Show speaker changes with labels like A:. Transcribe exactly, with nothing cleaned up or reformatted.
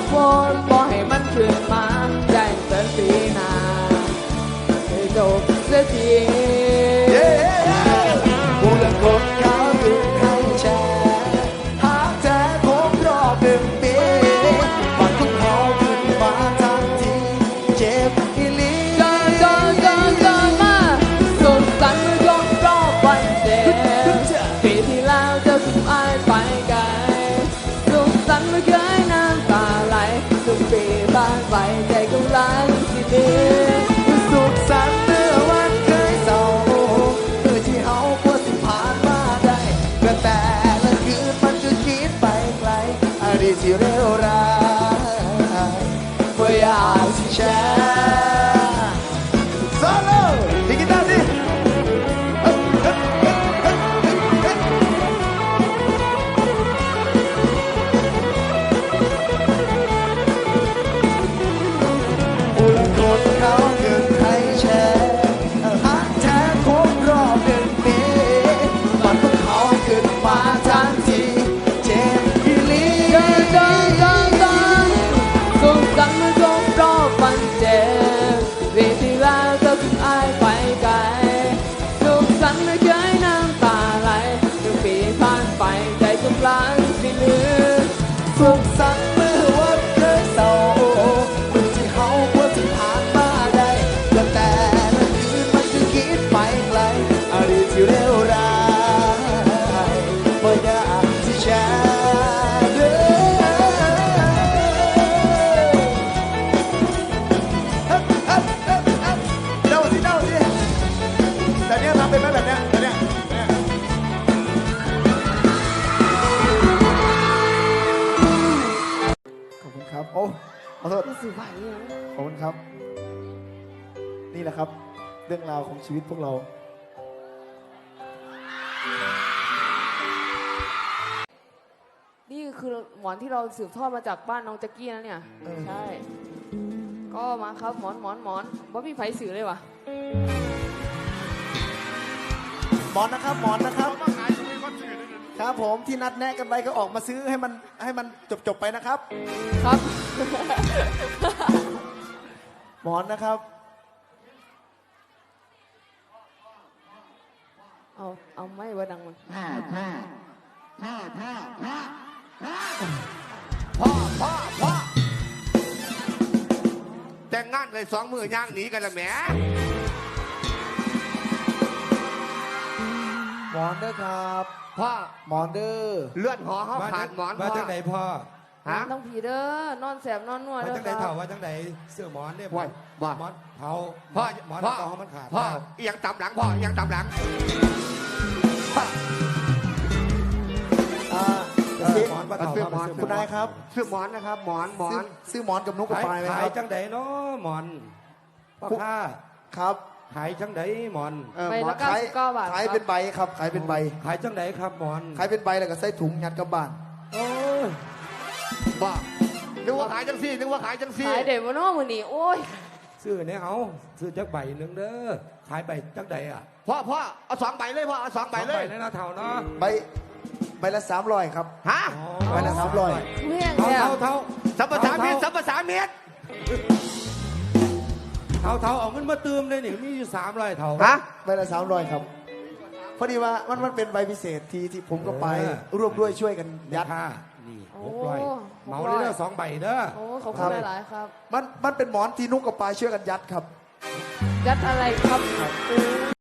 A: ฝนบอกให้มันขึ้นมาแจ้งเตือนปีหน้าให้จบเสียที
B: กูเลิกคบเขาคืนให้แชร์หากแท้ครบรอบหนึ่งปีฝันของเขาขึ้นมาทันทีเจ็บอีหลี
A: เกินเกินเกินเกินมาสุขสันต์ยกรอบวันเด็กปีที่แล้วเจอสุขอายไปไกลสุขสันต์ไม่เคยน้ำตาไหลทุกปีผ่านไปใจกำลังสิดี
B: สุขสันต์เมื่อวันเคยเศร้าเมื่อที่เขาควรสิผ่านมาได้ก็แต่ละคืนมันก็คิดไปไกลอดีตที่เลวร้ายเมื่ออยากที่แชร์โซโล่ดีกีตาร์ดิเขาเกิดให้แชร์หักแท้ครบรอบหนึ่งปีฝันของเขาขึ้นมาทันทีเจ็บอีหลี
A: เกินเกินเกินเกินสุขสันต์ยกรอบวันเจ็บปีที่แล้วเจอสุขอายไปไกลสุขสันต์ไม่เคยน้ำตาไหลทุกปีผ่านไปใจกำลังสิลืม
B: สุขสันต์เมื่อวันเคยเศร้าเมื่อที่เขาควรสิผ่านมาได้ก็แต่ละคืนมันคือคิดไปไกลอดีตที่เลวร้ายบ่อยากที่แชร์เด้อเดาสิเดาสิแต่เนี้ยทำเป็นไหมแบบเนี้ยแต่เนี้ยขอบคุณครับโอ้ขอโทษ
A: สื่อไหวเลย
B: ขอบคุณครับนี่แหละครับเรื่องราวของชีวิตพวกเรา
A: นี่คือหมอนที่เราสืบทอดมาจากบ้านน้องแจ็กกี้นะเนี่ยใช่ก็มาครับหมอนหมอนหมอนว่าพี่ไผ่สื่อเลยวะ
B: หมอนนะครับหมอนนะครับครับผมที่นัดแนะกันไปก็ออกมาซื้อให้มันให้มันจบจบไปนะครับ
A: ครับ
B: หมอนนะครับ
A: เอาเอาไม่ว่าดังมัน
C: พ่อพ่อพ่อพ่อพ่อแต่งงานเลยสองมือย่างหนีกันละแหม
B: หมอนเด้อครับ
C: พ่อ
B: หมอนเด้อ
C: เลื่อนหอเขาผ่านหมอนพ่อ
D: ว่าจังไหนพ่อ
C: ฮะ
A: ต้องผีเด้อนอนแสบนอนนวด
D: ว่าจังไหนเถ่าว่าจังไหนเสื้อหมอนเนี่ย
C: ว่าว่า
D: หมอนเผา
C: พ่อ
D: หมอนเผามันขาด
C: พ่อยังตำหลังพ่อยังตำหลัง
B: หมอนเสื้อหมอนคุณนายครับ
C: เสื้อหมอนนะครับหมอนหมอน
B: ซื้อหมอนกับนุ๊กกับปลายไหมครับ
D: ขายจังไหนเนาะหมอนพ่อค้า
B: ครับ
D: ขายจังไหนหมอน
A: ใบละเก้าสิบเก้าบาท
B: ขายเป็นใบครับขายเป็นใบ
D: ขายจังไหนครับหมอน
B: ขายเป็นใบแล้วก็ใส่ถุงยัดกับบ้าน
D: โอ้
C: บ้านึกว่าขายจังซี่นึกว่าขายจังซี่
A: ขายเด็ดวะน้องมือนี่โอ้ย
D: ซื้อเนี่ยเอาซื้อจักใบหนึ่งเด้อขายใบจังไหนอ่ะ
C: พ่อพ่อเอาสองใบเลยพ่อเอาสองใบเลย
D: ใบเลยนะเท่าเนาะ
B: ใบใบละสามร้อยครับ
C: ฮะ
B: ใบละสามร้อย
D: เท่าเท่าเท่า
C: สัมปทานเมียสัมปทานเมีย
D: เท่าเท่าเอาเงินมาเติมเลยนี่มีอยู่สามร้อยเท่า
C: ฮะ
B: ใบละสามร้อยครับพอดีว่ามันมันเป็นใบพิเศษที่ที่ผมก็ไปร่วมด้วยช่วยกันยัด
D: นี่หกร้อยเมาเลยเด้อสองใบเด้อ
A: โอ้ขอบคุณหลายครับ
B: มันมันเป็นหมอนที่นุ๊กกับปลายช่วยกันยัดครับ
A: ยัดอะไรครับ